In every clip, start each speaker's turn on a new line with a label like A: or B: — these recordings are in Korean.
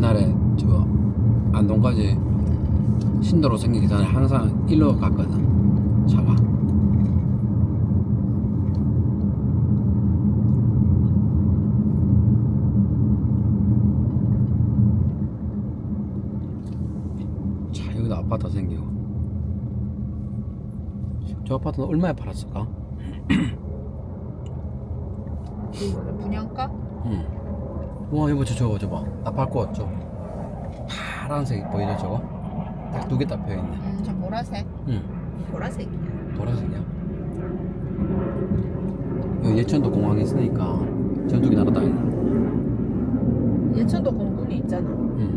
A: 옛날에 저 안동까지 신도로 생기기 전에 항상 일로 갔거든, 차가. 자, 여기도 아파트 생기고. 저 아파트는 얼마에 팔았을까?
B: 이거는 분양가?
A: 응. 와, 여보, 저거 나팔꽃 저 파란색 보이죠, 저거? 딱 두 개 딱 펴있네.
B: 저 보라색.
A: 응.
B: 보라색이야.
A: 보라색이야. 여기 예천도 공항이 있으니까 전투기 날아다니네.
B: 예천도 공군이 있잖아.
A: 응.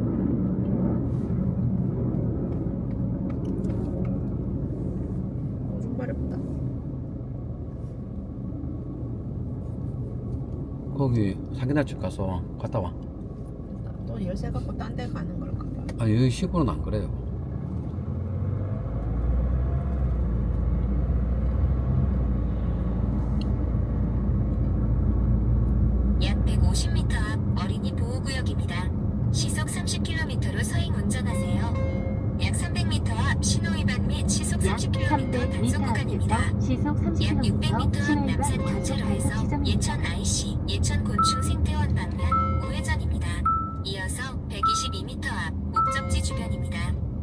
B: 엄청 마렵다.
A: 거기 사기날집 가서 갔다 와.
B: 또 열쇠 갖고 딴 데 가는 걸까 봐.
A: 아, 여기 시골은 안 그래요.
C: 약 150m 앞 어린이 보호구역입니다. 시속 30km로 서행 운전하세요. 약 300m 앞 신호위반 및 시속 30km 단속 구간입니다.
D: 시속
C: 약
D: 30km
C: 600m 앞
D: 신호위반
C: 남산
D: 단속
C: 교차로에서
D: 지점입니다.
C: 예천 IC, 예천 곤충 생태원 방면 우회전입니다. 이어서 122m 앞 목적지 주변입니다.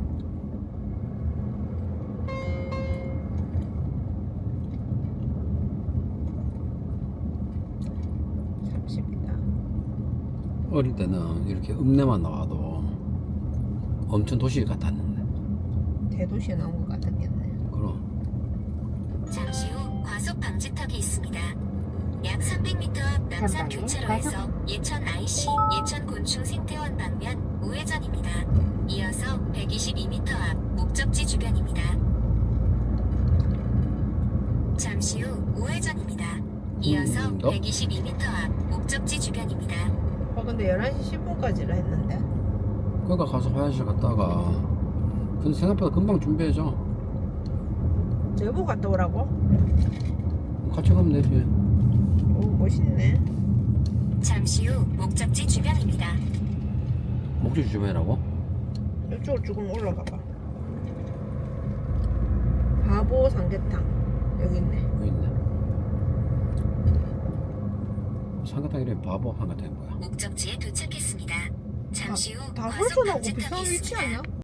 B: 삽십니다.
A: 어릴 때는 이렇게 읍내만 나와도 엄청 도시 같았는데.
B: 대도시에 나온 것 같았겠네.
A: 그럼.
C: 잠시 후 과속 방지턱이 있습니다. 약 300m 앞 남산
D: 전방에
C: 교차로에서 예천 IC, 예천 곤충 생태원 방면 우회전입니다. 이어서 122m 앞 목적지 주변입니다. 잠시 후 우회전입니다. 이어서
A: 더?
C: 122m 앞 목적지 주변입니다.
B: 근데 11시 10분까지라 했는데.
A: 그러니까 가서 화장실 갔다가 근데 생각보다 금방 준비해줘.
B: 제보 갔다 오라고?
A: 같이 가면 되지.
B: 오, 멋있네.
C: 잠시 후 목적지 주변입니다.
A: 목적지 주변이라고?
B: 이쪽으로 조금 올라가 봐. 바보 삼계탕. 여기 있네.
A: 여기 있네. 삼계탕 이름이 바보 삼계탕이 뭐야?
C: 목적지에 도착했습니다. 잠시 후
B: 다
C: 과속
B: 설전하고
C: 방지턱이
B: 비슷한 위치
C: 있습니다.
B: 아니야?